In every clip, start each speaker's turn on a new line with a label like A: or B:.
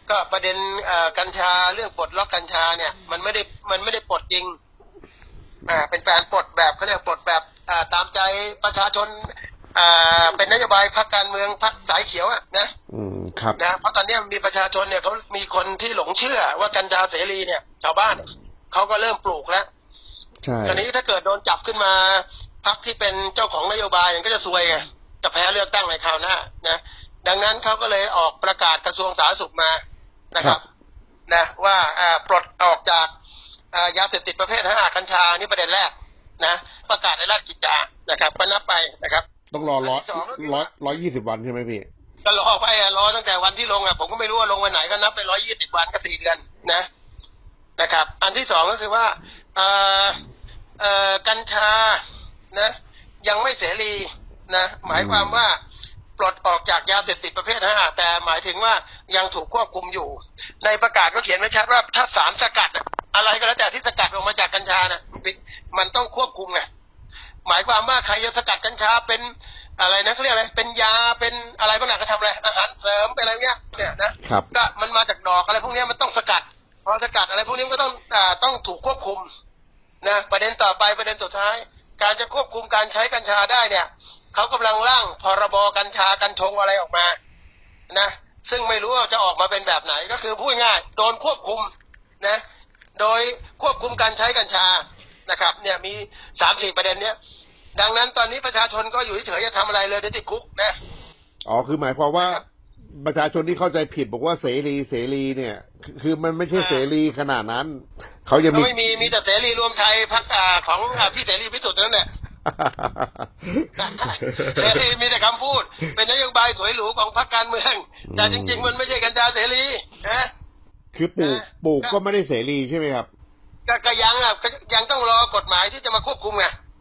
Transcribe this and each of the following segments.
A: ก็ประเด็นกัญชาเรื่องปลดล็อกกัญชาเนี่ยมันไม่ได้ปลดจริงเป็นการปลดแบบเขาเรียกปลดแบบตามใจประชาชนเป็นนโยบายพรรคการเมืองพรรคสายเขียวนะครับนะเพราะตอนนี้มีประชาชนเนี่ยเขามีคนที่หลงเชื่อว่ากัญชาเสรีเนี่ยชาวบ้านเขาก็เริ่มปลูกแล้ว
B: ใช่
A: ตอนนี้ถ้าเกิดโดนจับขึ้นมาพรรคที่เป็นเจ้าของนโยบายก็จะซวยไงจะแพ้เลือกตั้งในคราวหน้านะดังนั้นเขาก็เลยออกประกาศกระทรวงสาธารณสุขมานะครับนะว่าปลดออกจากยาเสพติดประเภท5กัญชานี่ประเด็นแรกนะประกาศในราชกิจจานะครับก็นับไปนะครับ
B: ต้องรอ120 วันใช่ไหมพี่
A: ก็รอไปรอตั้งแต่วันที่ลงผมก็ไม่รู้ว่าลงวันไหนก็นับไป120 วันก็4 เดือนนะครับอันที่2ก็คือว่ากัญชานะยังไม่เสรีนะหมายความว่าปลดออกจากยาเสพติดประเภท5แต่หมายถึงว่ายังถูกควบคุมอยู่ในประกาศก็เขียนไว้ชัดว่าถ้าสารสกัดอะไรก็แล้วแต่ที่สกัดออกมาจากกัญชานะมันต้องควบคุมไงหมายความว่าใครจะสกัดกัญชาเป็นอะไรนะเขาเรียกอะไรเป็นยาเป็นอะไรบ้างก็ทำอะไรอาหารเสริมเป็นอะไรเงี้ยเนี่ยนะก็มันมาจากดอกอะไรพวกนี้มันต้องสกัดพอสกัดอะไรพวกนี้ก็ต้องถูกควบคุมนะประเด็นต่อไปประเด็นสุดท้ายการจะควบคุมการใช้กัญชาได้เนี่ยเขากำลังร่างพรบกัญชากัญชงอะไรออกมานะซึ่งไม่รู้ว่าจะออกมาเป็นแบบไหนก็คือพูดง่ายโดนควบคุมนะโดยควบคุมการใช้กัญชานะครับเนี่ยมี 3-4 ประเด็นเนี้ยดังนั้นตอนนี้ประชาชนก็อยู่เฉยๆจะทำอะไรเลยติดคุกนะ
B: คือหมายความว่าประชาชนที่เข้าใจผิดบอกว่าเสรีเนี่ยคือมันไม่ใช่เสรีขนาดนั้นเขายัง
A: มีแต่เสรีรวมไทยพรรคของพี่เสรีพิสุทธิ์นั่นแหละเสรีมีแต่คำพูดเป็นนโยบายสวยหรูของพรรคการเมืองแต่จริงๆมันไม่ใช่กัญชาเสรีนะ
B: คือปลูกก็ไม่ได้เสรีใช่ไหมครับ
A: ก็ยังต้องรอกฎหมายที่จะมาควบคุมไง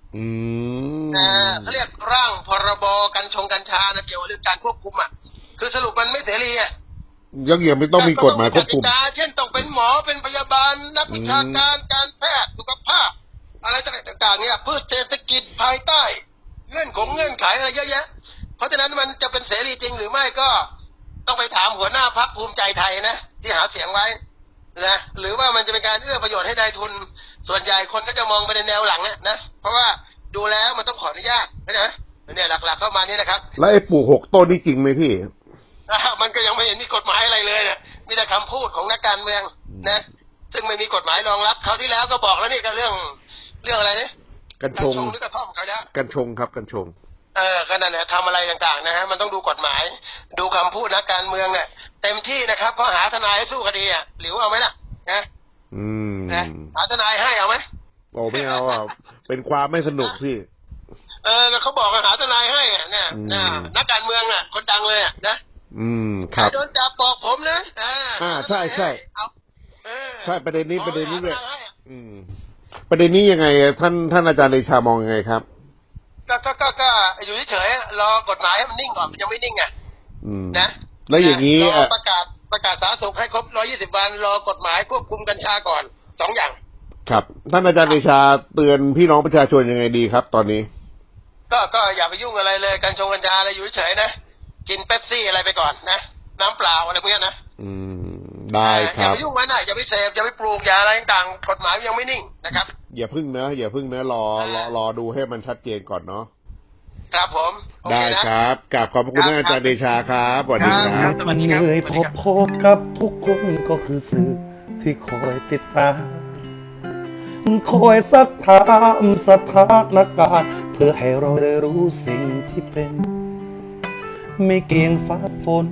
A: เขาเรียกร่างพรบกัญชาเกี่ยวกับเรื่องการควบคุมคือสรุปมันไม่เสรี
B: ยังไม่ต้องมีกฎหมายควบคุม
A: เช่นต้องเป็นหมอเป็นพยาบาลนักวิชาการการแพทย์สุขภาพอะไรต่างๆเนี่ยพืชเศรษฐกิจภายใต้เงื่อนไขอะไรเยอะแยะเพราะฉะนั้นมันจะเป็นเสรีจริงหรือไม่ก็ต้องไปถามหัวหน้าพรรคภูมิใจไทยนะที่หาเสียงไว้นะหรือว่ามันจะเป็นการเอื้อประโยชน์ให้นายทุนส่วนใหญ่คนก็จะมองไปในแนวหลังนะเพราะว่าดูแล้วมันต้องขออนุญาตนะเนี่ยหลักๆเข้ามานี่นะครับ
B: แล้วไอ้ปลูก6 ต้นนี่จริงไหมพี่
A: มันก็ยังไม่เห็นมีกฎหมายอะไรเลยเนี่ยมีแต่คำพูดของนักการเมืองนะซึ่งไม่มีกฎหมายรองรับคราวที่แล้วก็บอกแล้วนี่ก็เรื่องอะไรเนี่ย
B: กัญชง
A: หรือกระท่อมเขาเนี่ย
B: กัญชงครับกัญชง
A: ก็นั่นแหละทำอะไรต่างๆนะฮะมันต้องดูกฎหมายดูคำพูดนักการเมืองเนี่ยเต็มที่นะครับเขาหาทนายให้สู้คดีหรือเอาไหมล่ะนะหาทนายให้เอาไหม
B: ไม่เอาเป็นความไม่สนุกพี่
A: เขาบอกหาทนายให้เนี่ยนักการเมืองคนดังเลย
B: ครับ
A: โดนจับบอกผมนะ
B: ใช่ใช่ประเด็นนี้เลยประเด็นนี้ยังไงท่านอาจารย์เดชามองยังไงครับ
A: ก็อยู่เฉยๆรอกฎหมายให้มันนิ่งก่อนมันยังไม่นิ่งนะ
B: แล้วอย่างนี้
A: ประกาศสาธารณสุขให้ครบ120 วันรอกฎหมายควบคุมกัญชาก่อน2 อย่าง
B: ครับท่านอาจารย์เดชาเตือนพี่น้องประชาชนยังไงดีครับตอนนี้
A: ก็อย่าไปยุ่งอะไรเลยกัญชาอะไรอยู่เฉยๆนะกินเป๊ปซี่อะไรไปก่อนนะน้ำเปล่าอะไรพวกนี้นะ
B: ได้ครับ
A: อย่าไปยุ่งมันอย่าไปเสพอย่าไปปลูกอย่าอะไรต่างๆกฎหมายยังไม่นิ่งนะครับ
B: อย่าพึ่งนะรอดูให้มันชัดเจนก่อนเนาะ
A: ครับผม
B: ได้ครับกราบขอบพระคุณท่านอาจารย์เดชาครับสวัสดีครับ
C: มันเหนื่อยพอๆกับทุกคนก็คือสื่อที่คอยติดตามคอยซักถามสถานการณ์เพื่อให้เราได้รู้สิ่งที่เป็นไม่เกี่ยงฟ้าฝน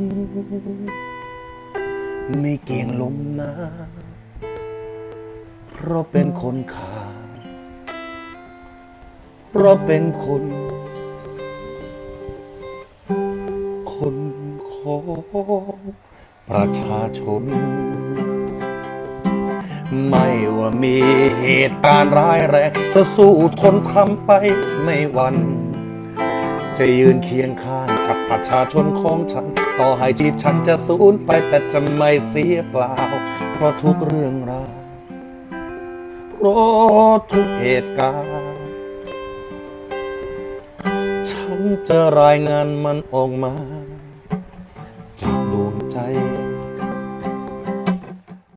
C: ไม่เกี่ยงลมหนาวเพราะเป็นคนขาดเพราะเป็นคนของประชาชนไม่ว่ามีเหตุการณ์ร้ายแรงจะสู้ทนทำไปไม่หวั่นจะยืนเคียงข้างกับประชาชนของฉันต่อให้ชีพฉันจะสูญไปแต่จะไม่เสียเปล่าเพราะทุกเรื่องราวเพราะทุกเหตุการณ์ฉันจะรายงานมันออกมา